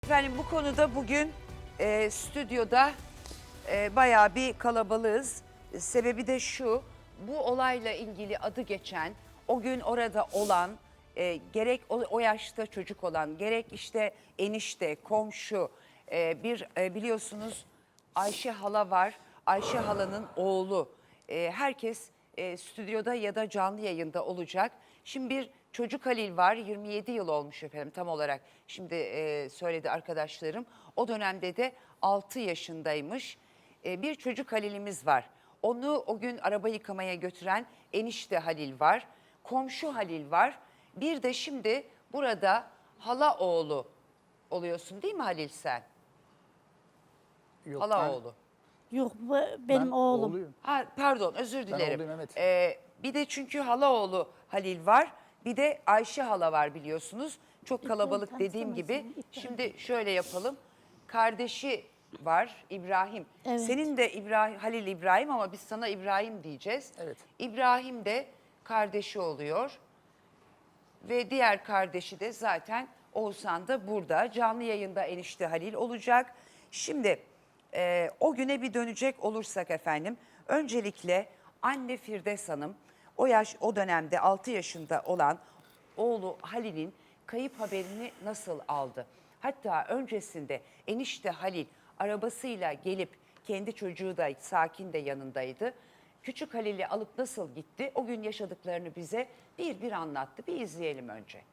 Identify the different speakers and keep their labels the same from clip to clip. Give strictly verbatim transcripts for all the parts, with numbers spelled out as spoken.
Speaker 1: Efendim bu konuda bugün e, stüdyoda e, bayağı bir kalabalığız. Sebebi de şu, bu olayla ilgili adı geçen, o gün orada olan, e, gerek o, o yaşta çocuk olan, gerek işte enişte, komşu, e, bir e, biliyorsunuz Ayşe hala var. Ayşe halanın oğlu. E, herkes e, stüdyoda ya da canlı yayında olacak. Şimdi bir çocuk Halil var, yirmi yedi yıl olmuş efendim tam olarak. Şimdi e, söyledi arkadaşlarım. O dönemde de altı yaşındaymış. E, bir çocuk Halil'imiz var. Onu o gün araba yıkamaya götüren enişte Halil var. Komşu Halil var. Bir de şimdi burada hala oğlu oluyorsun değil mi Halil sen?
Speaker 2: Yok,
Speaker 1: Hala
Speaker 2: ben-
Speaker 1: oğlu.
Speaker 3: Yok bu benim
Speaker 2: ben
Speaker 3: oğlum.
Speaker 2: oğluyum.
Speaker 1: Ha, pardon özür dilerim.
Speaker 2: oğluyum, evet.
Speaker 1: Ee, bir de çünkü halaoğlu Halil var. Bir de Ayşe hala var biliyorsunuz. Çok kalabalık
Speaker 3: İbrahim
Speaker 1: dediğim gibi.
Speaker 3: tanıştırmasın, İbrahim.
Speaker 1: Şimdi şöyle yapalım. Kardeşi var İbrahim.
Speaker 3: Evet.
Speaker 1: Senin de İbrahim, Halil İbrahim ama biz sana İbrahim diyeceğiz.
Speaker 2: Evet.
Speaker 1: İbrahim de kardeşi oluyor. Ve diğer kardeşi de zaten Oğuzhan da burada. Canlı yayında enişte Halil olacak. Şimdi e, o güne bir dönecek olursak efendim. Öncelikle anne Firdevs Hanım o yaş o dönemde altı yaşında olan oğlu Halil'in kayıp haberini nasıl aldı? Hatta öncesinde enişte Halil arabasıyla gelip kendi çocuğu da Sakin de yanındaydı. Küçük Halil'i alıp nasıl gitti? O gün yaşadıklarını bize bir bir anlattı. Bir izleyelim önce.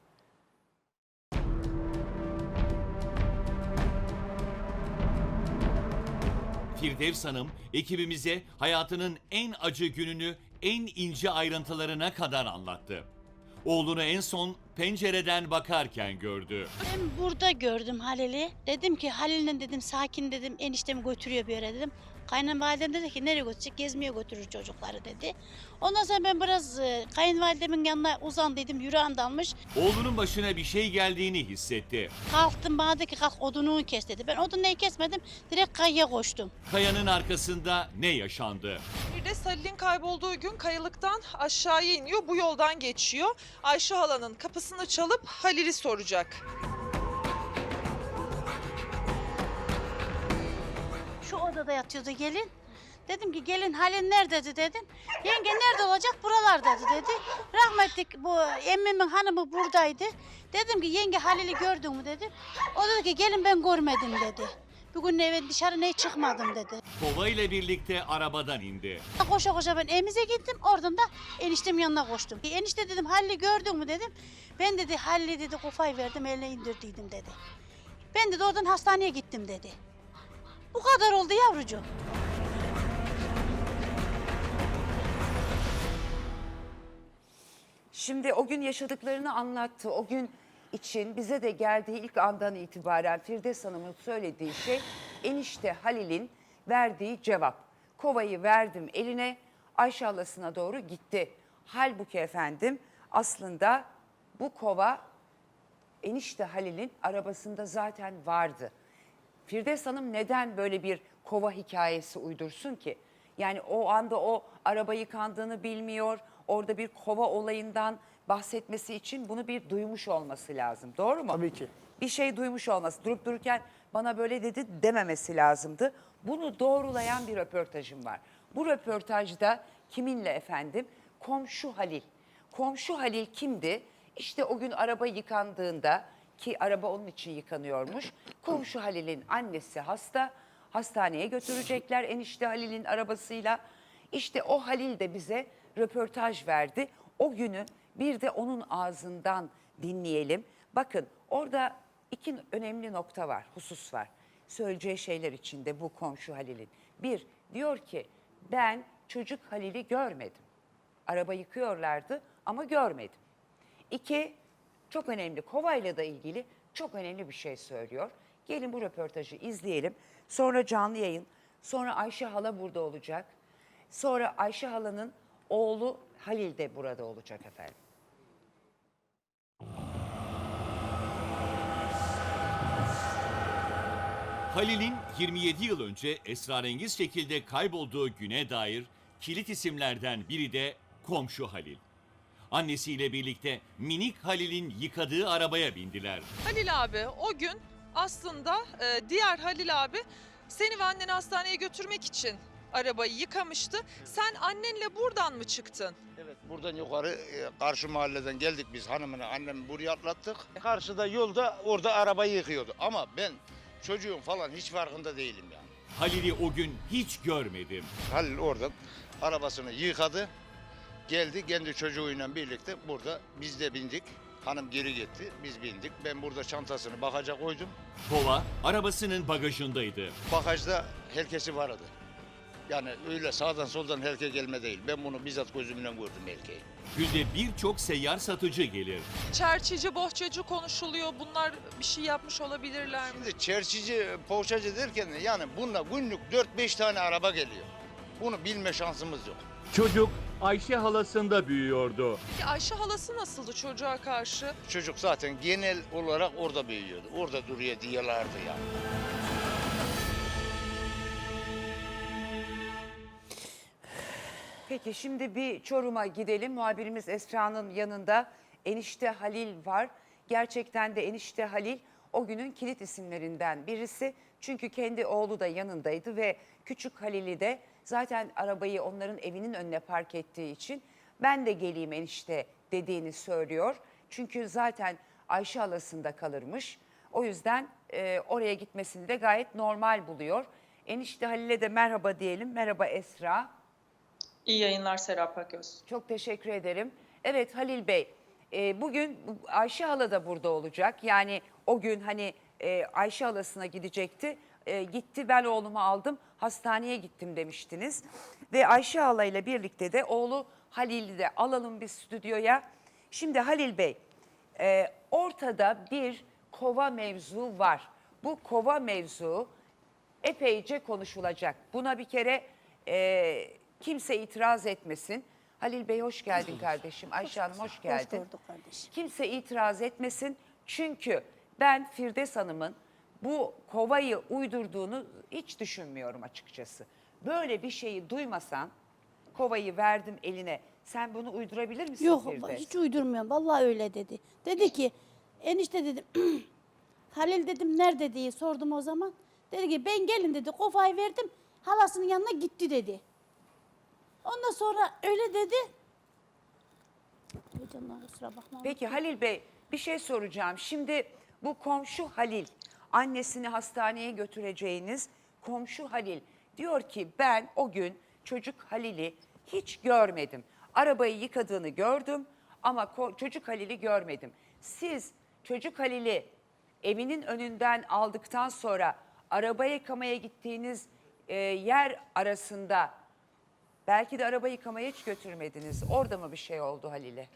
Speaker 4: Firdevs Hanım ekibimize hayatının en acı gününü en ince ayrıntılarına kadar anlattı. Oğlunu en son pencereden bakarken gördü.
Speaker 3: Ben burada gördüm Halil'i. Dedim ki Halil'le dedim sakin dedim eniştemi götürüyor bir yere dedim. Kayınvalidem dedi ki nereye götürecek? Gezmeye götürür çocukları dedi. Ondan sonra ben biraz e, kayınvalidemin yanına uzandıydım. Yüreğim dalmış.
Speaker 4: Oğlunun başına bir şey geldiğini hissetti.
Speaker 3: Kalktım bana dedi ki kalk odunu kes dedi. Ben odunu kesmedim. Direkt kayaya koştum.
Speaker 4: Kayanın arkasında ne yaşandı?
Speaker 5: Bir de Halil'in kaybolduğu gün kayalıktan aşağıya iniyor. Bu yoldan geçiyor. Ayşe halanın kapısını çalıp Halil'i soracak.
Speaker 3: Şu odada yatıyordu gelin. Dedim ki gelin Halil nerededir dedim. Yenge nerede olacak buralardadır dedi. Rahmetli bu emmimin hanımı buradaydı. Dedim ki yenge Halil'i gördün mü dedim. O dedi ki gelin ben görmedim dedi. Bugün eve dışarı ne çıkmadım dedi.
Speaker 4: Kova ile birlikte arabadan indi.
Speaker 3: Koşa koşa ben evimize gittim. Oradan da eniştemin yanına koştum. Enişte dedim Halil'i gördün mü dedim. Ben dedi Halil'i dedi kafayı verdim eline indirdiydim dedi. Ben dedi oradan hastaneye gittim dedi. Bu kadar oldu yavrucuğum.
Speaker 1: Şimdi o gün yaşadıklarını anlattı. O gün için bize de geldiği ilk andan itibaren Firdevs Hanım'ın söylediği şey enişte Halil'in verdiği cevap. Kovayı verdim eline, Ayşe halasına doğru gitti. Halbuki efendim aslında bu kova enişte Halil'in arabasında zaten vardı. Firdevs Hanım neden böyle bir kova hikayesi uydursun ki? Yani o anda o araba yıkandığını bilmiyor. Orada bir kova olayından bahsetmesi için bunu bir duymuş olması lazım. Doğru mu?
Speaker 2: Tabii ki.
Speaker 1: Bir şey duymuş olması. Durup dururken bana böyle dedi dememesi lazımdı. Bunu doğrulayan bir röportajım var. Bu röportajda kiminle efendim? Komşu Halil. Komşu Halil kimdi? İşte o gün araba yıkandığında ki araba onun için yıkanıyormuş. Komşu Halil'in annesi hasta. Hastaneye götürecekler enişte Halil'in arabasıyla. İşte o Halil de bize röportaj verdi. O günü bir de onun ağzından dinleyelim. Bakın orada iki önemli nokta var, husus var. Söyleyeceği şeyler içinde bu komşu Halil'in. Bir, diyor ki ben çocuk Halil'i görmedim. Araba yıkıyorlardı ama görmedim. İki, çok önemli kovayla da ilgili çok önemli bir şey söylüyor. Gelin bu röportajı izleyelim. Sonra canlı yayın, sonra Ayşe hala burada olacak. Sonra Ayşe halanın oğlu Halil de burada olacak efendim.
Speaker 4: Halil'in yirmi yedi yıl önce esrarengiz şekilde kaybolduğu güne dair kilit isimlerden biri de komşu Halil. Annesiyle birlikte minik Halil'in yıkadığı arabaya bindiler.
Speaker 5: Halil abi o gün aslında e, diğer Halil abi seni ve anneni hastaneye götürmek için arabayı yıkamıştı. Sen annenle buradan mı çıktın?
Speaker 6: Evet, buradan yukarı e, karşı mahalleden geldik biz hanımını annemi buraya atlattık. Karşıda yolda orada arabayı yıkıyordu ama ben çocuğun falan hiç farkında değilim yani.
Speaker 4: Halil'i o gün hiç görmedim.
Speaker 6: Halil oradan arabasını yıkadı, geldi kendi çocuğuyla birlikte burada biz de bindik. Hanım geri gitti, biz bindik. Ben burada çantasını bagaja koydum.
Speaker 4: Kova arabasının bagajındaydı.
Speaker 6: Bagajda herkesi vardı. Yani öyle sağdan soldan herkes gelme değil. Ben bunu bizzat gözümle gördüm erkeği.
Speaker 4: Günde birçok seyyar satıcı gelir.
Speaker 5: Çerçici, bohçacı konuşuluyor. Bunlar bir şey yapmış olabilirler mi?
Speaker 6: Şimdi çerçici, poğaçacı derken yani bununla günlük dört beş tane araba geliyor. Bunu bilme şansımız yok.
Speaker 7: Çocuk Ayşe halasında büyüyordu.
Speaker 5: Peki Ayşe halası nasıldı çocuğa karşı?
Speaker 6: Çocuk zaten genel olarak orada büyüyordu. Orada duruyor diyorlardı yani.
Speaker 1: Peki şimdi bir Çorum'a gidelim. Muhabirimiz Esra'nın yanında enişte Halil var. Gerçekten de enişte Halil o günün kilit isimlerinden birisi. Çünkü kendi oğlu da yanındaydı ve küçük Halil'i de zaten arabayı onların evinin önüne park ettiği için ben de geleyim enişte dediğini söylüyor. Çünkü zaten Ayşe halasında kalırmış. O yüzden e, oraya gitmesini de gayet normal buluyor. Enişte Halil'e de merhaba diyelim. Merhaba Esra.
Speaker 8: İyi yayınlar Serap Aköz.
Speaker 1: Çok teşekkür ederim. Evet Halil Bey, e, bugün Ayşe hala da burada olacak. Yani o gün hani e, Ayşe halasına gidecekti. E, gitti ben oğlumu aldım hastaneye gittim demiştiniz. Ve Ayşe hala ile birlikte de oğlu Halil'i de alalım bir stüdyoya. Şimdi Halil Bey, e, ortada bir kova mevzu var. Bu kova mevzu epeyce konuşulacak. Buna bir kere e, kimse itiraz etmesin. Halil Bey hoş geldin kardeşim. Ayşe Hanım hoş geldin.
Speaker 9: Hoş bulduk kardeşim.
Speaker 1: Kimse itiraz etmesin. Çünkü ben Firdevs Hanım'ın bu kovayı uydurduğunu hiç düşünmüyorum açıkçası. Böyle bir şeyi duymasan kovayı verdim eline. Sen bunu uydurabilir misin
Speaker 9: Yok
Speaker 1: Firdevs?
Speaker 9: hiç uydurmuyorum. Vallahi öyle dedi. Dedi ki enişte dedim Halil dedim nerede diye sordum o zaman. Dedi ki ben gelin dedi kovayı verdim halasının yanına gitti dedi. Ondan sonra öyle dedi. Ay canım, kusura bakma.
Speaker 1: Peki Halil Bey bir şey soracağım. Şimdi bu komşu Halil, annesini hastaneye götüreceğiniz komşu Halil diyor ki ben o gün çocuk Halil'i hiç görmedim. Arabayı yıkadığını gördüm ama ko- çocuk Halil'i görmedim. Siz çocuk Halil'i evinin önünden aldıktan sonra araba yıkamaya gittiğiniz e, yer arasında belki de araba yıkamaya hiç götürmediniz. Orada mı bir şey oldu Halil'e?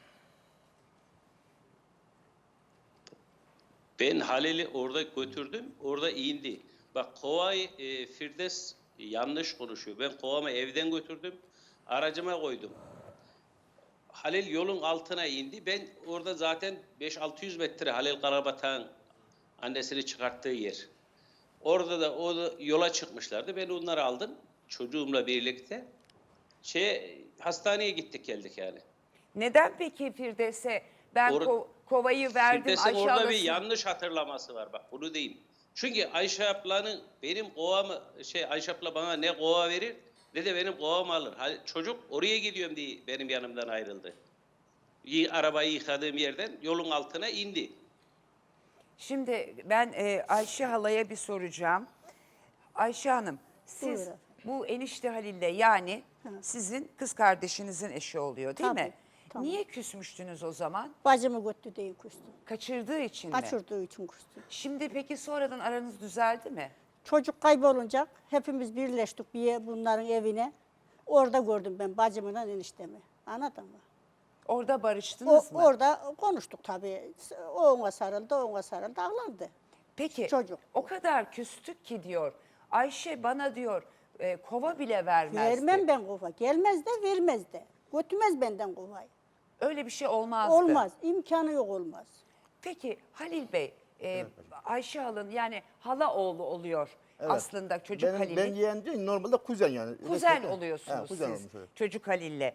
Speaker 10: Ben Halil'i orada götürdüm, orada indi. Bak kovayı e, Firdevs yanlış konuşuyor. Ben kovamı evden götürdüm, aracıma koydum. Halil yolun altına indi. Ben orada zaten beş altı yüz metre Halil Karabatak'ın annesini çıkarttığı yer. Orada da o da yola çıkmışlardı. Ben onları aldım çocuğumla birlikte. Şey hastaneye gittik geldik yani.
Speaker 1: Neden peki Firdevs'e ben
Speaker 10: Or-
Speaker 1: ko- kovayı verdim
Speaker 10: Firdevs'in
Speaker 1: Ayşe
Speaker 10: orada bir
Speaker 1: halasına-
Speaker 10: yanlış hatırlaması var bak bunu diyeyim. Çünkü Ayşe ablanın benim kovamı şey Ayşe abla bana ne kova verir ne de benim kovamı alır. Ha, çocuk oraya gidiyorum diye benim yanımdan ayrıldı. Y- Arabayı yıkadığım yerden yolun altına indi.
Speaker 1: Şimdi ben e, Ayşe halaya bir soracağım. Ayşe Hanım siz
Speaker 9: Buyur efendim.
Speaker 1: bu enişte Halil'le yani sizin kız kardeşinizin eşi oluyor değil
Speaker 9: Tabii,
Speaker 1: mi?
Speaker 9: tamam.
Speaker 1: Niye küsmüştünüz o zaman?
Speaker 9: Bacımı götürdü diye küstüm.
Speaker 1: Kaçırdığı için mi?
Speaker 9: Kaçırdığı için küstüm.
Speaker 1: Şimdi peki sonradan aranız düzeldi mi?
Speaker 9: Çocuk kaybolunca hepimiz birleştik bir yer- bunların evine. Orada gördüm ben bacımla eniştemi. Anladın mı?
Speaker 1: Orada
Speaker 9: O,
Speaker 1: barıştınız mı?
Speaker 9: orada konuştuk tabii. O ona sarıldı, o ona sarıldı, ağlandı.
Speaker 1: Peki
Speaker 9: çocuk.
Speaker 1: o kadar küstük ki diyor. Ayşe bana diyor e, kova bile vermezdi.
Speaker 9: Vermem ben kova. Gelmez de vermez de. Götürmez benden kovayı.
Speaker 1: Öyle bir şey olmazdı.
Speaker 9: Olmaz. İmkanı yok olmaz.
Speaker 1: Peki Halil Bey, e, Ayşe halın yani hala oğlu oluyor aslında çocuk
Speaker 2: ben,
Speaker 1: Halil'in.
Speaker 2: Ben yeğen değil, normalde kuzen yani.
Speaker 1: Kuzen
Speaker 2: Resmen-
Speaker 1: oluyorsunuz
Speaker 2: He, kuzen
Speaker 1: siz
Speaker 2: olmuş, evet.
Speaker 1: çocuk Halil'le.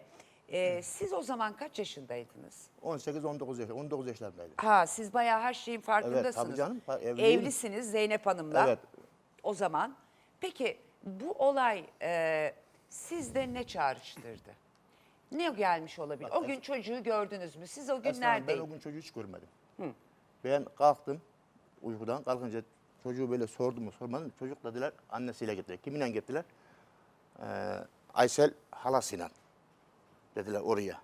Speaker 1: Ee, siz o zaman kaç yaşındaydınız?
Speaker 11: on sekiz on dokuz yaş, on dokuz yaşlarındaydım.
Speaker 1: Ha, siz bayağı her şeyin farkındasınız.
Speaker 11: Evet, tabii canım. Ha, evliyim.
Speaker 1: Evlisiniz Zeynep Hanım'la.
Speaker 11: Evet.
Speaker 1: O zaman. Peki bu olay e, sizde ne çağrıştırdı? Ne gelmiş olabilir?
Speaker 11: Bak,
Speaker 1: O gün çocuğu gördünüz mü? Siz o gün
Speaker 11: Esra Hanım, ben
Speaker 1: neredeydiniz?
Speaker 11: o gün çocuğu hiç görmedim. Ben kalktım uykudan, kalkınca çocuğu böyle sordum mu sormadım. Çocuk dediler annesiyle gittiler. Kiminle gittiler? Ee, Aysel halasıyla dediler oraya.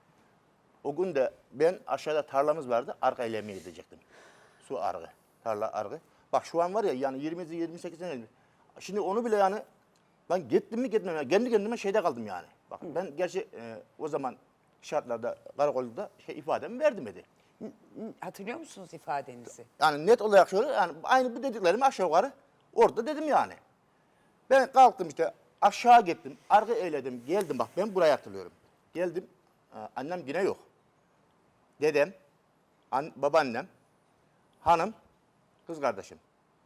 Speaker 11: O gün de ben aşağıda tarlamız vardı, arka elemeye gidecektim. Su argı, tarla argı. Bak şu an var ya yani yirmi yirmi sekiz sene. Şimdi onu bile yani ben gittim mi gitmem mi? Kendi kendime şeyde kaldım yani. Bak ben gerçi e, o zaman şartlarda karakolda şey ifademi verdim dedi.
Speaker 1: Hatırlıyor musunuz ifadenizi?
Speaker 11: Yani net olarak şöyle yani aynı bu dediklerimi aşağı yukarı orada dedim yani. Ben kalktım işte aşağı gittim, arka eyledim, geldim bak ben buraya hatırlıyorum. Geldim, e, annem yine yok. Dedem, an, babaannem, hanım, kız kardeşim.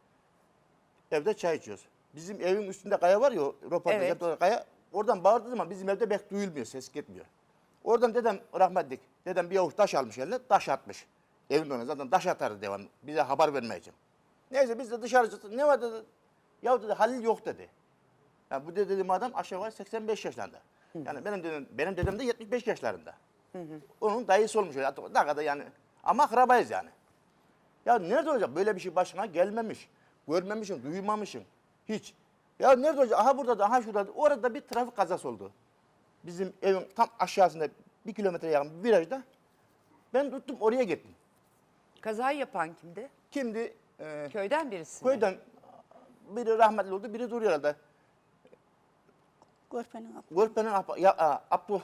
Speaker 11: Evde çay içiyoruz. Bizim evin üstünde kaya var ya, röportaj
Speaker 1: Evet.
Speaker 11: yaptığı kaya. Oradan bağırdığı zaman bizim evde pek duyulmuyor, ses gitmiyor. Oradan dedem rahmetlik, dedem bir avuç taş almış eline, taş atmış. Evin önüne zaten taş atardı devam, bize haber vermek için. Neyse biz de dışarı çıktık, ne var dedi. Ya dedi Halil yok dedi. Yani bu dediğim adam aşağı yukarı seksen beş yaşlarında. Yani benim dedem, benim dedem de yetmiş beş yaşlarında. Onun dayısı olmuş öyle. Ne kadar yani. Ama akrabayız yani. Ya nerede olacak? Böyle bir şey başına gelmemiş. Görmemişsin, duymamışsın. Hiç. Ya nerede olacak? Aha burada da, aha şurada da. Orada bir trafik kazası oldu. Bizim evin tam aşağısında bir kilometre yakın bir virajda. Ben tuttum oraya gittim.
Speaker 1: Kazayı yapan kimdi?
Speaker 11: Kimdi? Ee,
Speaker 1: Köyden birisi mi?
Speaker 11: köyden biri rahmetli oldu, biri duruyor herhalde.
Speaker 9: Görpenin abla.
Speaker 11: Görpenin Ab- ya, a, Abdu.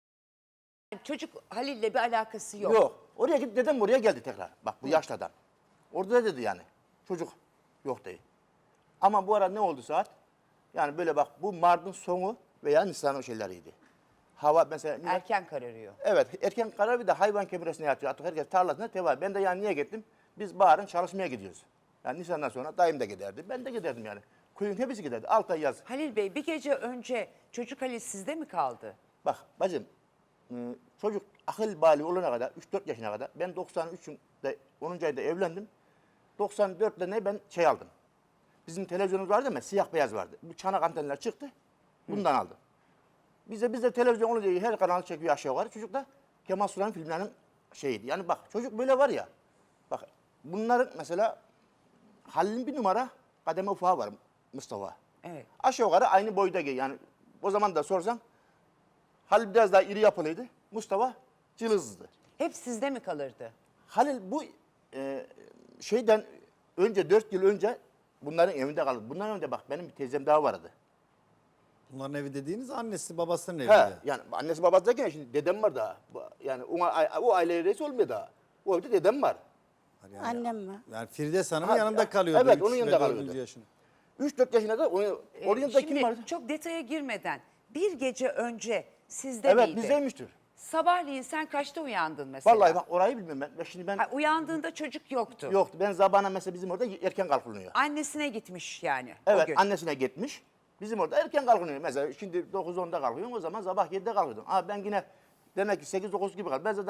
Speaker 1: Çocuk Halil'le bir alakası yok.
Speaker 11: Yok. Oraya git dedem oraya geldi tekrar. Bak bu yaşlı adam. Orada da dedi yani. Çocuk yok değil. Ama bu ara ne oldu saat? Yani böyle bak bu Mart'ın sonu veya Nisan o şeyleriydi. Hava mesela...
Speaker 1: Erken kararıyor.
Speaker 11: Evet erken karar bir de hayvan kemiresine yatıyor. Artık herkes tarlasına teva. Ben de yani niye gittim? Biz baharın çalışmaya gidiyoruz. Yani Nisan'dan sonra dayım da giderdi. Ben de giderdim yani. Köyün hepsi giderdi. Altı ay yaz.
Speaker 1: Halil Bey bir gece önce çocuk Halil sizde mi kaldı?
Speaker 11: Bak bacım e, çocuk akıl bali olana kadar üç dört yaşına kadar ben doksan üç'ünde onuncu ayda evlendim. doksan dört'te ne ben şey aldım. Bizim televizyonumuz vardı ama siyah beyaz vardı. Bu çanak antenler çıktı. Bundan aldım. Bize bizde televizyon olunca her kanal çekiyor aşağı yukarı. Çocuk da Kemal Sunal'ın filmlerinin şeyiydi. Yani bak çocuk böyle var ya. Bak bunların mesela Halil'in bir numara kademe ufağı var Mustafa.
Speaker 1: Evet.
Speaker 11: Aşağı yukarı aynı boyda yani o zaman da sorsan Halil biraz daha iri yapılıydı. Mustafa cılızdı.
Speaker 1: Hep sizde mi kalırdı?
Speaker 11: Halil bu e, şeyden önce dört yıl önce bunların evinde kaldı. Bunların önce bak benim bir teyzem daha vardı.
Speaker 2: Bunların evi dediğiniz annesi babasının evi.
Speaker 11: He, yani annesi babası derken şimdi dedem var daha. Bu- Yani ona, o aile reisi olmuyor daha. O evde dedem var.
Speaker 2: Yani,
Speaker 9: Annem var.
Speaker 2: Yani Firdevs Hanım'ın
Speaker 11: Ha,
Speaker 2: yanında
Speaker 11: ya,
Speaker 2: kalıyordu.
Speaker 11: evet,
Speaker 2: üç
Speaker 11: onun
Speaker 2: ve
Speaker 11: yanında
Speaker 2: dördüncü
Speaker 11: kalıyordu.
Speaker 2: yaşında.
Speaker 11: üç dört yaşında da onun,
Speaker 1: Ee,
Speaker 11: onun yanında
Speaker 1: Şimdi
Speaker 11: kim vardı?
Speaker 1: çok detaya girmeden bir gece önce sizde
Speaker 11: Evet
Speaker 1: miydi?
Speaker 11: bizdeymiştir.
Speaker 1: Sabahleyin sen kaçta uyandın mesela?
Speaker 11: Vallahi bak orayı bilmiyorum ben. Ben Şimdi ben
Speaker 1: Ha, uyandığında çocuk yoktu.
Speaker 11: yoktu. Ben zabana mesela bizim orada erken kalkılıyor.
Speaker 1: Annesine gitmiş yani o
Speaker 11: Evet
Speaker 1: gün.
Speaker 11: annesine gitmiş. Bizim orada erken kalkılıyor. Mesela şimdi dokuz onda kalkıyorum o zaman sabah yedide kalkıyordum. Aa ben yine demek ki sekiz dokuz gibi kalktım. Ben zaten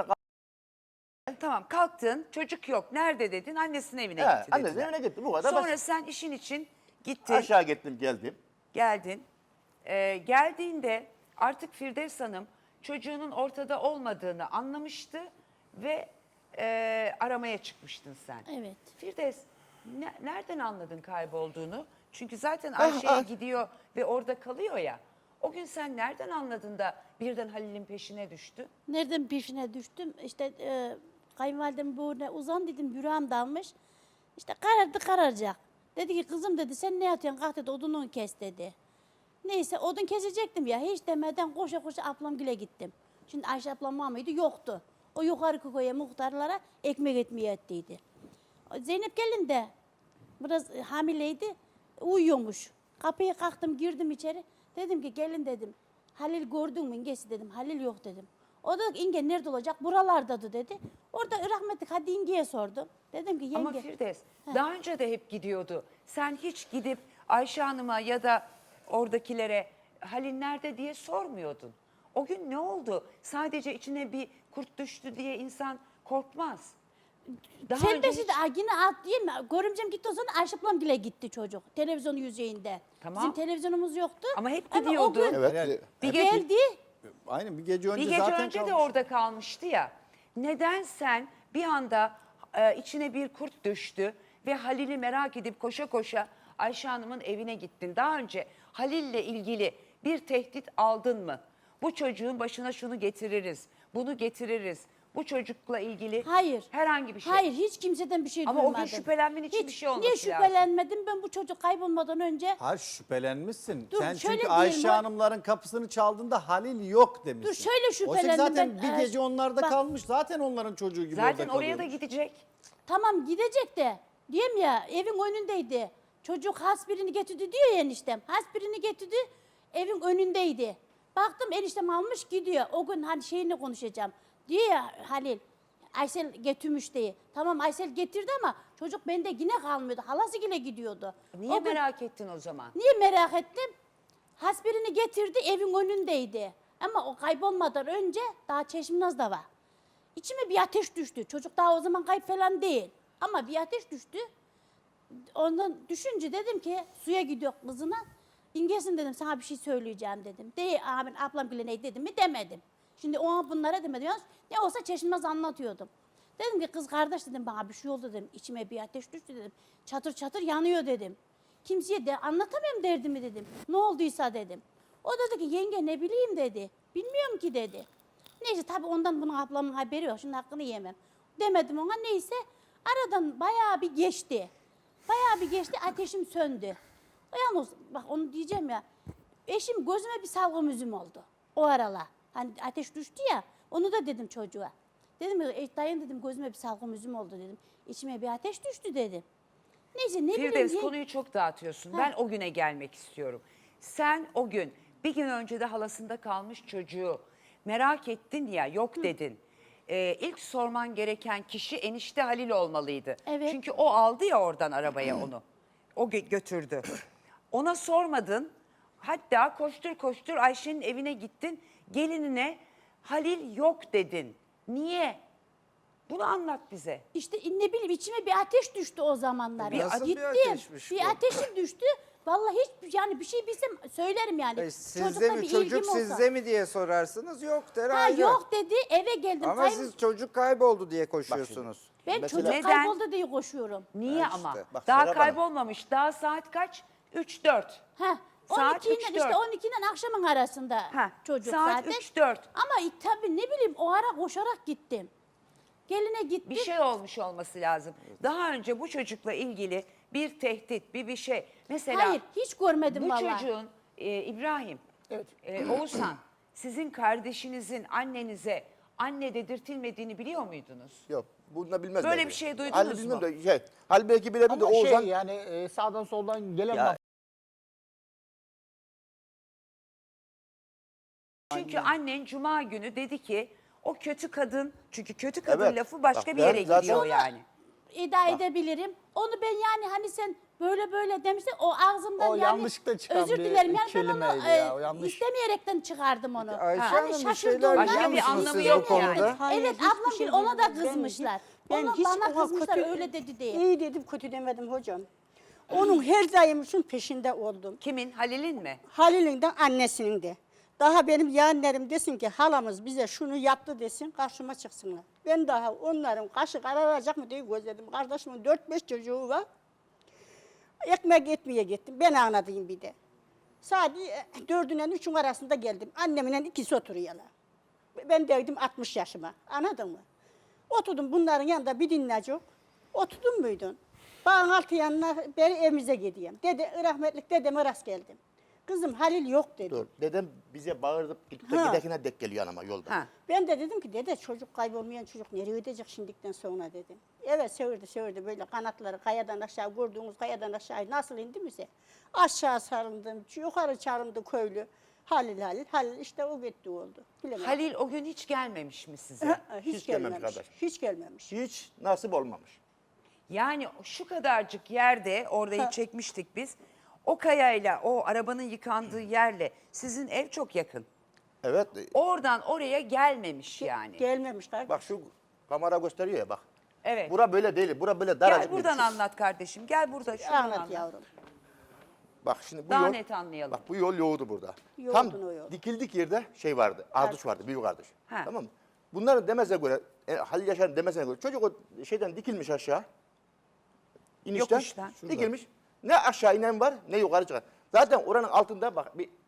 Speaker 11: kalk-
Speaker 1: Tamam kalktın çocuk yok. Nerede dedin? Annesinin evine
Speaker 11: He,
Speaker 1: gitti
Speaker 11: annesinin
Speaker 1: dediler.
Speaker 11: evine gitti, bu kadar
Speaker 1: Sonra
Speaker 11: basit.
Speaker 1: sen işin için gittin,
Speaker 11: aşağı gittim geldim.
Speaker 1: geldin. Ee, geldiğinde artık Firdevs Hanım çocuğunun ortada olmadığını anlamıştı ve e, aramaya çıkmıştın sen.
Speaker 9: Evet.
Speaker 1: Firdevs ne- nereden anladın kaybolduğunu? Çünkü zaten
Speaker 11: Ah,
Speaker 1: Ayşe'ye
Speaker 11: ah.
Speaker 1: gidiyor ve orada kalıyor ya. O gün sen nereden anladın da birden Halil'in peşine düştün?
Speaker 9: Nereden peşine düştüm? İşte e, kayınvalidem bu ne uzan dedim yüreğim dalmış. İşte karardı kararacak. Dedi ki kızım dedi sen ne yatıyorsun kalk dedi odununu kes dedi. Neyse odun kesecektim ya hiç demeden koşa koşa ablamgile gittim. Şimdi Ayşe ablam var mıydı? Yoktu. O yukarı koya muhtarlara ekmek etmeye ettiydi. Zeynep gelin de biraz e, hamileydi uyuyormuş. Kapıya kalktım girdim içeri. Dedim ki gelin dedim. Halil gördün mü İngesi dedim. Halil yok dedim. O da İnge nerede olacak? Buralardadı dedi. Orada rahmetlik hadi İnge'ye sordum. Dedim ki yenge.
Speaker 1: Ama Firdevs daha önce de hep gidiyordu. Sen hiç gidip Ayşe Hanım'a ya da oradakilere Halil nerede diye sormuyordun. O gün ne oldu? Sadece içine bir kurt düştü diye insan korkmaz. Daha önce
Speaker 9: Selbesi
Speaker 1: hiç-
Speaker 9: de ay, yine alt değil mi? Görümcem gitti o zaman Ayşe ablam bile gitti çocuk. Televizyonun yüzeyinde.
Speaker 1: Tamam.
Speaker 9: Bizim televizyonumuz yoktu.
Speaker 1: Ama hep
Speaker 9: o
Speaker 1: gidiyordu.
Speaker 9: gün
Speaker 11: Evet.
Speaker 2: Evet.
Speaker 1: Bir gece,
Speaker 9: geldi.
Speaker 2: Aynen bir gece önce
Speaker 1: bir gece
Speaker 2: zaten
Speaker 1: önce de
Speaker 2: kalmış.
Speaker 1: orada kalmıştı ya. Neden sen bir anda e, içine bir kurt düştü ve Halil'i merak edip koşa koşa Ayşe Hanım'ın evine gittin? Daha önce Halil'le ilgili bir tehdit aldın mı? Bu çocuğun başına şunu getiririz, bunu getiririz. Bu çocukla ilgili
Speaker 9: Hayır.
Speaker 1: herhangi bir şey.
Speaker 9: Hayır, hiç kimseden bir şey
Speaker 1: Ama o gün
Speaker 9: duymadım.
Speaker 1: şüphelenmen için
Speaker 9: Hiç,
Speaker 1: bir şey olması
Speaker 9: niye
Speaker 1: lazım.
Speaker 9: şüphelenmedim? Ben bu çocuk kaybolmadan önce
Speaker 2: Hayır şüphelenmişsin.
Speaker 9: Dur,
Speaker 2: Sen
Speaker 9: şöyle
Speaker 2: çünkü
Speaker 9: diyeyim,
Speaker 2: Ayşe
Speaker 9: o-
Speaker 2: Hanımların kapısını çaldığında Halil yok demişsin.
Speaker 9: Dur, şöyle
Speaker 2: Oysa
Speaker 9: şüphelendim
Speaker 2: zaten
Speaker 9: ben,
Speaker 2: bir
Speaker 9: e,
Speaker 2: gece onlarda
Speaker 9: bak-
Speaker 2: kalmış. Zaten onların çocuğu gibi
Speaker 1: Zaten
Speaker 2: orada
Speaker 1: oraya da
Speaker 2: kalıyormuş.
Speaker 1: gidecek.
Speaker 9: tamam gidecek de diyeyim ya evin önündeydi. Çocuk has birini getirdi diyor ya eniştem. Has birini getirdi evin önündeydi. Baktım eniştem almış gidiyor. O gün hani şeyini konuşacağım. Diyor ya Halil Aysel getirmiş diye. Tamam Aysel getirdi ama çocuk bende yine kalmıyordu. Halası yine gidiyordu.
Speaker 1: Niye
Speaker 9: O gün-
Speaker 1: merak ettin o zaman?
Speaker 9: Niye merak ettim? Has birini getirdi evin önündeydi. Ama o kaybolmadan önce daha Çeşminaz'da var. İçime bir ateş düştü. Çocuk daha o zaman kayıp falan değil. Ama bir ateş düştü. Ondan düşünce dedim ki suya gidiyor kızına. İngesin dedim sana bir şey söyleyeceğim dedim. De abin ablam bile ne dedim mi demedim. Şimdi ona bunlara demedim. Yalnız ne olsa Çeşmez anlatıyordum. Dedim ki kız kardeş dedim bana bir şey oldu dedim. İçime bir ateş düştü dedim. Çatır çatır yanıyor dedim. Kimseye de anlatamıyorum derdimi dedim. Ne olduysa dedim. O dedi ki yenge ne bileyim dedi. Bilmiyorum ki dedi. Neyse tabii ondan bunun ablamın haberi yok. Şimdi hakkını yemem. Demedim ona neyse. Aradan bayağı bir geçti. Bayağı bir geçti ateşim söndü. Yalnız bak onu diyeceğim ya. Eşim gözüme bir salgım üzüm oldu. O aralar. Hani ateş düştü ya. Onu da dedim çocuğa. Dedim e, dayın dedim gözüme bir salgım üzüm oldu dedim. İçime bir ateş düştü dedim. Neyse ne
Speaker 1: Firdevs
Speaker 9: bileyim. ye-
Speaker 1: konuyu çok dağıtıyorsun. Ben o güne gelmek istiyorum. Sen o gün bir gün önce de halasında kalmış çocuğu merak ettin ya yok dedin. Ee, ilk sorman gereken kişi enişte Halil olmalıydı.
Speaker 9: Evet.
Speaker 1: Çünkü o aldı ya oradan arabaya onu. O gö- götürdü. Ona sormadın. Hatta koştur koştur Ayşe'nin evine gittin. Gelinine Halil yok dedin. Niye? Bunu anlat bize.
Speaker 9: İşte ne bileyim içime bir ateş düştü o zamanlar.
Speaker 1: Bir- Nasıl
Speaker 2: bir
Speaker 9: Gittim.
Speaker 2: ateşmiş
Speaker 9: bir
Speaker 2: bu?
Speaker 9: ateşim düştü. Vallahi hiç yani bir şey bilsem söylerim yani.
Speaker 12: E, sizde
Speaker 9: Çocukla
Speaker 12: mi
Speaker 9: bir
Speaker 12: çocuk
Speaker 9: ilgim olsa.
Speaker 12: sizde mi diye sorarsınız yok der
Speaker 9: Ha
Speaker 12: ayrı.
Speaker 9: yok dedi eve geldim.
Speaker 12: Ama
Speaker 9: Kayb-
Speaker 12: siz çocuk kayboldu diye koşuyorsunuz.
Speaker 9: ben
Speaker 11: Mesela-
Speaker 9: çocuk
Speaker 1: Neden?
Speaker 9: kayboldu diye koşuyorum.
Speaker 1: Niye
Speaker 12: Ha işte.
Speaker 1: ama?
Speaker 11: Bak
Speaker 1: Daha
Speaker 11: Serap Hanım.
Speaker 1: kaybolmamış. Daha saat kaç? üç dört.
Speaker 9: Ha,
Speaker 1: Saat
Speaker 9: on ikiyle
Speaker 1: üç,
Speaker 9: işte
Speaker 1: dört.
Speaker 9: on ikiden akşamın arasında
Speaker 1: Ha,
Speaker 9: çocuk
Speaker 1: saat
Speaker 9: zaten.
Speaker 1: üç dört.
Speaker 9: Ama tabii ne bileyim o ara koşarak gittim. Geline gittim.
Speaker 1: Bir şey olmuş olması lazım. Daha önce bu çocukla ilgili bir tehdit, bir bir şey. Mesela
Speaker 9: Hayır hiç görmedim
Speaker 1: bu
Speaker 9: vallahi.
Speaker 1: çocuğun e, İbrahim, e, Oğuzhan, sizin kardeşinizin annenize anne dedirtilmediğini biliyor muydunuz?
Speaker 11: Yok. Bunu da bilmez.
Speaker 1: Böyle
Speaker 11: belki.
Speaker 1: bir şey duydunuz
Speaker 11: Halil
Speaker 1: mu?
Speaker 11: bilmiyorum da şey. Halil belki bilebilir de
Speaker 13: Ama
Speaker 11: Oğuzhan.
Speaker 13: şey yani e, sağdan soldan gelen
Speaker 11: Ya,
Speaker 13: laf.
Speaker 1: Çünkü annen cuma günü dedi ki o kötü kadın, çünkü kötü kadın
Speaker 11: Evet.
Speaker 1: lafı başka
Speaker 11: Bak
Speaker 1: bir
Speaker 11: ben
Speaker 1: yere
Speaker 11: zaten-
Speaker 1: gidiyor
Speaker 11: Onu-
Speaker 1: yani.
Speaker 9: İddia edebilirim. Onu ben yani hani sen böyle böyle demiştin o ağzımdan
Speaker 13: O
Speaker 9: yani
Speaker 13: yanlışlıkla çıkan
Speaker 9: özür
Speaker 13: bir
Speaker 9: dilerim yani ben onu
Speaker 13: kelimeydi
Speaker 9: e,
Speaker 13: ya, o yanlış.
Speaker 9: istemeyerekten çıkardım onu.
Speaker 12: Ayşe
Speaker 9: Hani
Speaker 12: Hanım bir
Speaker 9: şaşırdığımdan-
Speaker 12: şeyler
Speaker 1: Başka
Speaker 12: biliyor
Speaker 1: bir
Speaker 12: musunuz
Speaker 1: anlamı
Speaker 12: siz
Speaker 1: yok
Speaker 12: bu konuda?
Speaker 1: yani.
Speaker 14: Hayır,
Speaker 9: Evet
Speaker 14: hiçbir
Speaker 9: ablam
Speaker 14: şey
Speaker 9: bir ona da
Speaker 14: bilmiyorum. Ben
Speaker 9: kızmışlar.
Speaker 14: hiç- ben
Speaker 9: Ona
Speaker 14: hiç
Speaker 9: bana
Speaker 14: ona
Speaker 9: kızmışlar
Speaker 14: kötü-
Speaker 9: öyle dedi diye.
Speaker 14: İyi dedim kötü demedim hocam. Onun her daimimizin peşinde oldum.
Speaker 1: Kimin? Halil'in mi?
Speaker 14: Halil'in de annesinin de. Daha benim yeğenlerim desin ki halamız bize şunu yaptı desin karşıma çıksınlar. Ben daha onların kaşı kararacak mı diye gözledim. Kardeşimin dört beş çocuğu var. Ekmek etmeye gittim. Ben anladığım bir de. Saat dördünden üçün arasında geldim. Annemle ikisi oturuyorlar. Ben dedim altmış yaşıma. Anladın mı? Oturdum bunların yanında bir dinleyecek. Oturdun muydun? Bağın altı yanına beri evimize gideyim. Dede, rahmetlik dedeme rast geldim. Kızım Halil yok dedi.
Speaker 11: Dur. Dedem bize bağırıp gidip
Speaker 14: Ha.
Speaker 11: giderken dek geliyor anama yolda.
Speaker 1: Ha.
Speaker 14: Ben de dedim ki dede çocuk kaybolmayan çocuk nereye gidecek şimdikten sonra dedim. Evet sevirdi sevirdi böyle kanatları kayadan aşağı vurduğumuz kayadan aşağı nasıl indi bize? Aşağı sarıldım, yukarı çağırdı köylü. Halil Halil, Halil işte o gitti oldu. Bilemedim.
Speaker 1: Halil o gün hiç gelmemiş mi size?
Speaker 14: Ha, hiç,
Speaker 11: Hiç gelmemiş
Speaker 14: gelmemiş.
Speaker 11: kardeş.
Speaker 14: Hiç gelmemiş.
Speaker 11: Hiç nasip olmamış.
Speaker 1: Yani şu kadarcık yerde, orayı çekmiştik biz. O kayayla, o arabanın yıkandığı yerle sizin ev çok yakın.
Speaker 11: Evet.
Speaker 1: Oradan oraya gelmemiş yani.
Speaker 14: Gelmemiş kardeşim.
Speaker 11: Bak şu kamera gösteriyor ya bak.
Speaker 1: Evet.
Speaker 11: Bura böyle değil. Bura böyle daracık.
Speaker 1: Gel
Speaker 11: bir
Speaker 1: buradan
Speaker 11: şey.
Speaker 1: anlat kardeşim. Gel burada şuradan
Speaker 14: Anlat
Speaker 1: anlat.
Speaker 14: yavrum.
Speaker 11: Bak şimdi bu
Speaker 1: Daha
Speaker 11: yol.
Speaker 1: net anlayalım.
Speaker 11: Bak bu yol yoğurdu burada.
Speaker 14: Yoğurdun
Speaker 11: Tam
Speaker 14: o yol.
Speaker 11: dikildik yerde şey vardı. Ardıç vardı. Büyük ardıç.
Speaker 1: Ha.
Speaker 11: Tamam mı? Bunların demesine göre, e, Halil Yaşar'ın demesine göre çocuk o şeyden dikilmiş aşağı. İnişten.
Speaker 1: Yokuştan.
Speaker 11: Dikilmiş. Ne aşağı inen var ne yukarı çıkan. Zaten oranın altında bak bir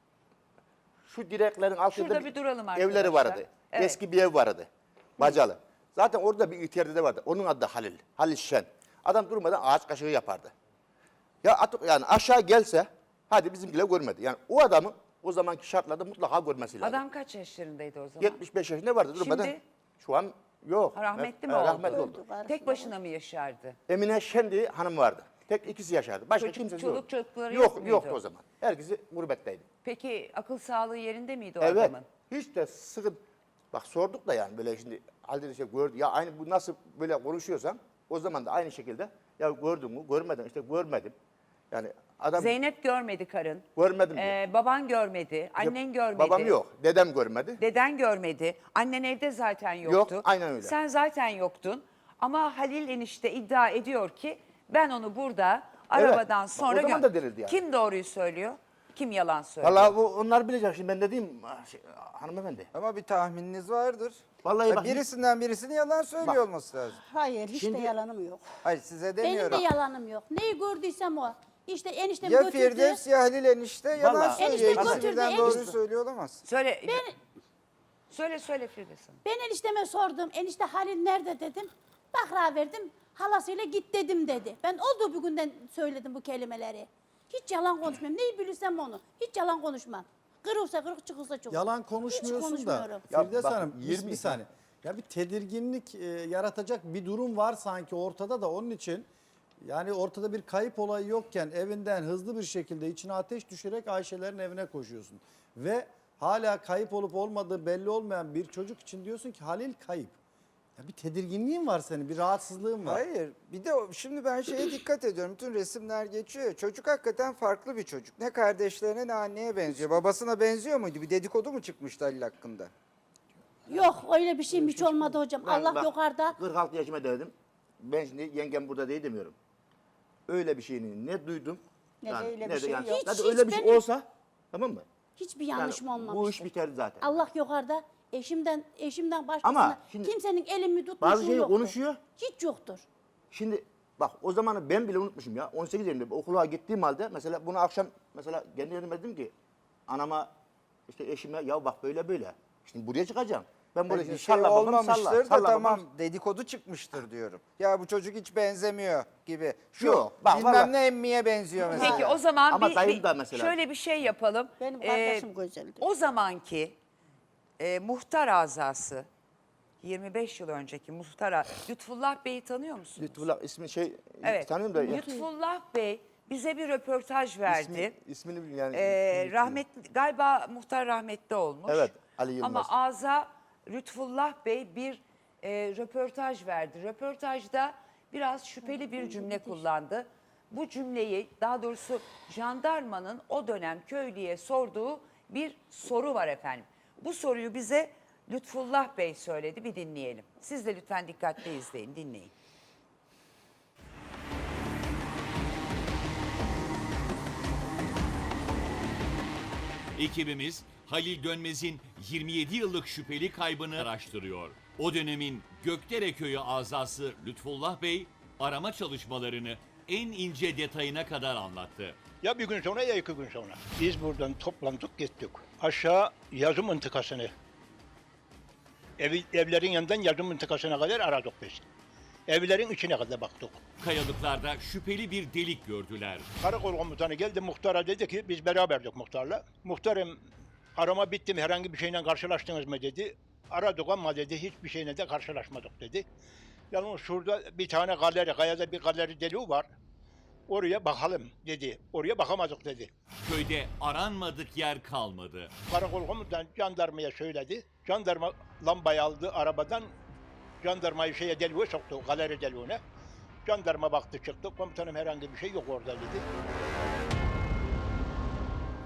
Speaker 11: şu direklerin altında
Speaker 1: Şurada bir duralım
Speaker 11: evleri
Speaker 1: arkadaşlar.
Speaker 11: vardı.
Speaker 1: Evet.
Speaker 11: Eski bir ev vardı. Bacalı. Zaten orada bir ihtiyar dede vardı. Onun adı da Halil. Halil Şen. Adam durmadan ağaç kaşığı yapardı. Ya at, yani aşağı gelse hadi bizimkiler görmedi. Yani o adamın o zamanki şartlarda mutlaka görmesi lazım.
Speaker 1: Adam kaç yaşlarındaydı o zaman?
Speaker 11: yetmiş beş yaşında vardı durmadan.
Speaker 1: Şimdi?
Speaker 11: Şu an yok.
Speaker 1: Ha, rahmetli mi
Speaker 11: Ha,
Speaker 1: oldu?
Speaker 11: Rahmetli oldu.
Speaker 1: Tek başına mı yaşardı?
Speaker 11: Emine Şen diye hanım vardı. Tek ikisi yaşardı. Başka
Speaker 1: Çocuk-
Speaker 11: kimsesi
Speaker 1: çoluk
Speaker 11: yok.
Speaker 1: çocukları
Speaker 11: yok,
Speaker 1: yok muydu?
Speaker 11: yoktu o zaman. Herkesi gurbetteydi.
Speaker 1: Peki akıl sağlığı yerinde miydi o
Speaker 11: Evet.
Speaker 1: adamın?
Speaker 11: Hiç de sıkıntı. Bak sorduk da yani böyle şimdi halde şey gördü. Ya aynı bu nasıl böyle konuşuyorsan o zaman da aynı şekilde ya gördün mü görmedin işte görmedim. Yani adam
Speaker 1: Zeynep görmedi karın.
Speaker 11: görmedim diyor.
Speaker 1: Ee, baban görmedi. Annen görmedi.
Speaker 11: Babam yok. Dedem görmedi.
Speaker 1: Deden görmedi. Annen evde zaten yoktu.
Speaker 11: Yok, aynen öyle.
Speaker 1: Sen zaten yoktun. Ama Halil enişte iddia ediyor ki ben onu burada arabadan
Speaker 11: Bak,
Speaker 1: sonra
Speaker 11: o zaman
Speaker 1: gö-
Speaker 11: da denildi yani.
Speaker 1: Kim doğruyu söylüyor? Kim yalan söylüyor?
Speaker 11: Vallahi bu onlar bilecek şimdi ben de diyeyim şey, hanımefendi.
Speaker 12: Ama bir tahmininiz vardır.
Speaker 11: Vallahi
Speaker 12: Ya
Speaker 11: bak
Speaker 12: birisinden birisinin yalan söylüyor
Speaker 11: Bak.
Speaker 12: olması lazım.
Speaker 14: Hayır hiç
Speaker 11: Şimdi-
Speaker 14: de yalanım yok.
Speaker 12: Hayır size
Speaker 9: Benim
Speaker 12: demiyorum.
Speaker 9: de yalanım yok. Neyi gördüysem o. İşte eniştem
Speaker 12: Ya
Speaker 9: götürdü.
Speaker 12: Firdevs ya Halil enişte yalan
Speaker 11: Vallahi-
Speaker 12: söylüyor.
Speaker 9: Enişte
Speaker 12: İkisi
Speaker 9: götürdü,
Speaker 12: birden doğruyu
Speaker 9: enişte-
Speaker 12: söylüyor olamaz.
Speaker 1: Söyle. Söyle söyle Firdevs Hanım.
Speaker 9: Ben enişteme sordum. Enişte Halil nerede dedim. Bakra verdim. Halasıyla git dedim dedi. Ben olduğu bir günden söyledim bu kelimeleri. Hiç yalan konuşmam. Neyi bilirsem onu. Hiç yalan konuşmam. Kırılsa kırık çıkılsa çıkılır.
Speaker 2: Yalan
Speaker 9: Hiç
Speaker 2: konuşmuyorsun da
Speaker 9: konuşmuyorum.
Speaker 11: Ya
Speaker 2: Firdevs
Speaker 11: bak,
Speaker 2: Hanım bir-
Speaker 11: yirmi
Speaker 2: bir saniye. Ya bir tedirginlik e, yaratacak bir durum var sanki ortada da onun için yani ortada bir kayıp olayı yokken evinden hızlı bir şekilde içine ateş düşürerek Ayşe'lerin evine koşuyorsun. Ve hala kayıp olup olmadığı belli olmayan bir çocuk için diyorsun ki Halil kayıp. Ya bir tedirginliğin var senin, bir rahatsızlığın var.
Speaker 12: Hayır. Bir de o- şimdi ben şeye dikkat ediyorum. Bütün resimler geçiyor. Çocuk hakikaten farklı bir çocuk. Ne kardeşlerine ne anneye benziyor. Babasına benziyor muydu? Bir dedikodu mu çıkmıştı Halil hakkında?
Speaker 9: Yok öyle bir şeyim hiç olmadı hocam.
Speaker 11: Ben
Speaker 9: Allah
Speaker 11: bak,
Speaker 9: yukarıda.
Speaker 11: kırk altı yaşıma dedim. Ben şimdi yengem burada değil demiyorum. Öyle bir şeyini ne duydum.
Speaker 14: Ne de öyle bir şey yok.
Speaker 9: Hiç,
Speaker 11: Hadi
Speaker 9: hiç
Speaker 11: öyle bir
Speaker 9: benim-
Speaker 11: şey olsa tamam mı?
Speaker 9: Hiçbir yanlışım
Speaker 11: Yani
Speaker 9: olmamıştı.
Speaker 11: bu iş biterdi zaten.
Speaker 9: Allah yukarıda. Eşimden eşimden başkasına
Speaker 11: Ama şimdi
Speaker 9: kimsenin elimi tutmuşluğu
Speaker 11: bazı şeyi
Speaker 9: yoktur.
Speaker 11: konuşuyor.
Speaker 9: Hiç yoktur.
Speaker 11: Şimdi bak o zamanı ben bile unutmuşum ya. on sekiz yaşında okula gittiğim halde mesela bunu akşam mesela kendi yerime dedim ki anama işte eşime ya bak böyle böyle. Şimdi buraya çıkacağım. Ben burada
Speaker 12: Bir
Speaker 11: şimdi
Speaker 12: şey
Speaker 11: salla babam
Speaker 12: olmamıştır
Speaker 11: salla.
Speaker 12: da
Speaker 11: salla
Speaker 12: tamam
Speaker 11: babam.
Speaker 12: dedikodu çıkmıştır diyorum. Ya bu çocuk hiç benzemiyor gibi. Şu
Speaker 11: Yok, bak
Speaker 12: bilmem
Speaker 11: vallahi-
Speaker 12: ne emmiye benziyor mesela.
Speaker 1: Peki o zaman
Speaker 11: Ama
Speaker 1: bir,
Speaker 11: dayım
Speaker 1: bir-
Speaker 11: da mesela-
Speaker 1: şöyle bir şey yapalım.
Speaker 14: Benim
Speaker 1: Ee,
Speaker 14: kardeşim güzeldi.
Speaker 1: O zamanki e, muhtar azası yirmi beş yıl önceki muhtar a- Lütfullah Bey'i tanıyor musunuz?
Speaker 11: Lütfullah ismi şey
Speaker 1: Evet.
Speaker 11: tanıyorum da. ya.
Speaker 1: Lütfullah Bey bize bir röportaj verdi.
Speaker 11: İsmi, ismini yani.
Speaker 1: Ee,
Speaker 11: ismini
Speaker 1: rahmetli galiba muhtar rahmetli olmuş.
Speaker 11: Evet, Ali Yılmaz.
Speaker 1: Ama ağza Lütfullah Bey bir e, röportaj verdi. Röportajda biraz şüpheli bir cümle kullandı. Bu cümleyi daha doğrusu jandarmanın o dönem köylüye sorduğu bir soru var efendim. Bu soruyu bize Lütfullah Bey söyledi, bir dinleyelim. Siz de lütfen dikkatli izleyin, dinleyin.
Speaker 4: Ekibimiz Halil Dönmez'in yirmi yedi yıllık şüpheli kaybını araştırıyor. O dönemin Gökdere Köyü azası Lütfullah Bey arama çalışmalarını en ince detayına kadar anlattı.
Speaker 6: Ya bir gün sonra ya iki gün sonra. Biz buradan toplandık gittik. Aşağı yazı mıntıkasını. Ev, evlerin yanından yazı mıntıkasına kadar aradık biz. Evlerin içine kadar baktık.
Speaker 4: Kayalıklarda şüpheli bir delik gördüler.
Speaker 6: Karakol komutanı geldi muhtara dedi ki biz beraberdik muhtarla. Muhtarım arama bitti mi herhangi bir şeyle karşılaştınız mı dedi. Aradık ama dedi hiçbir şeyle de karşılaşmadık dedi. Yalnız şurada bir tane galeri, kayada bir galeri deliği var. Oraya bakalım dedi. Oraya bakamadık dedi.
Speaker 4: Köyde aranmadık yer kalmadı.
Speaker 6: Karakol komutanı jandarmaya söyledi. Jandarma lambayı aldı arabadan. Jandarmayı şeye deliğe soktu, galeri deliğine. Jandarma baktı çıktı. Komutanım herhangi bir şey yok orada dedi.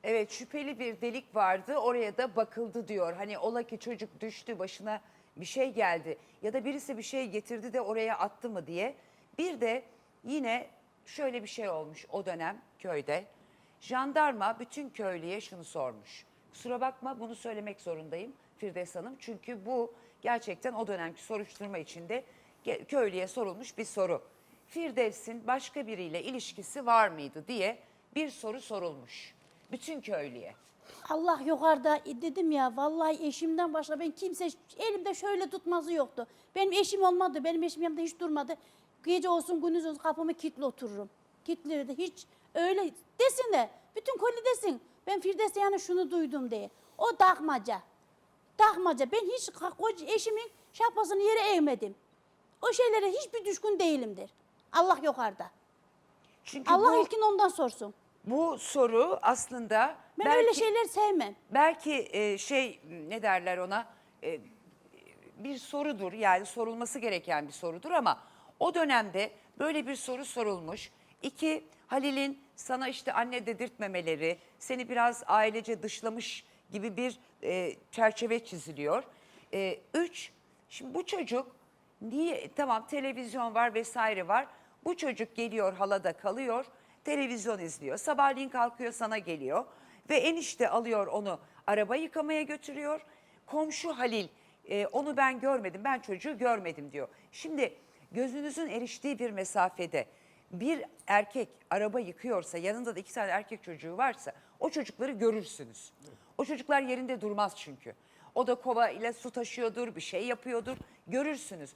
Speaker 1: Evet, şüpheli bir delik vardı, oraya da bakıldı diyor. Hani ola ki çocuk düştü, başına bir şey geldi ya da birisi bir şey getirdi de oraya attı mı diye. Bir de yine şöyle bir şey olmuş o dönem köyde. Jandarma bütün köylüye şunu sormuş. Kusura bakma, bunu söylemek zorundayım Firdevs Hanım. Çünkü bu gerçekten o dönemki soruşturma içinde ge- köylüye sorulmuş bir soru. Firdevs'in başka biriyle ilişkisi var mıydı diye bir soru sorulmuş. Bütün köylüye.
Speaker 9: Allah yukarıda e, dedim ya vallahi eşimden başka ben kimse elimde şöyle tutmazı yoktu. Benim eşim olmadı. Benim eşim yanımda hiç durmadı. Gece olsun gündüz olsun kapımı kilitli otururum. Kilitli hiç öyle desin de bütün koli desin. Ben Firdevs'e yani şunu duydum diye. O takmaca. Takmaca. Ben hiç koca eşimin şapkasını yere eğmedim. O şeylere hiçbir düşkün değilimdir. Allah yukarıda.
Speaker 1: Çünkü
Speaker 9: Allah
Speaker 1: bu,
Speaker 9: ilkin ondan sorsun.
Speaker 1: bu soru aslında
Speaker 9: Ben
Speaker 1: belki,
Speaker 9: öyle şeyler sevmem.
Speaker 1: belki e, şey ne derler ona e, bir sorudur, yani sorulması gereken bir sorudur ama o dönemde böyle bir soru sorulmuş. İki, Halil'in sana işte anne dedirtmemeleri, seni biraz ailece dışlamış gibi bir e, çerçeve çiziliyor. E, üç, şimdi bu çocuk niye, tamam televizyon var vesaire var, bu çocuk geliyor halada kalıyor, televizyon izliyor, sabahleyin kalkıyor sana geliyor ve enişte alıyor onu araba yıkamaya götürüyor. Komşu Halil e, onu ben görmedim, ben çocuğu görmedim diyor. Şimdi gözünüzün eriştiği bir mesafede bir erkek araba yıkıyorsa, yanında da iki tane erkek çocuğu varsa o çocukları görürsünüz. O çocuklar yerinde durmaz çünkü. O da kova ile su taşıyordur, bir şey yapıyordur, görürsünüz.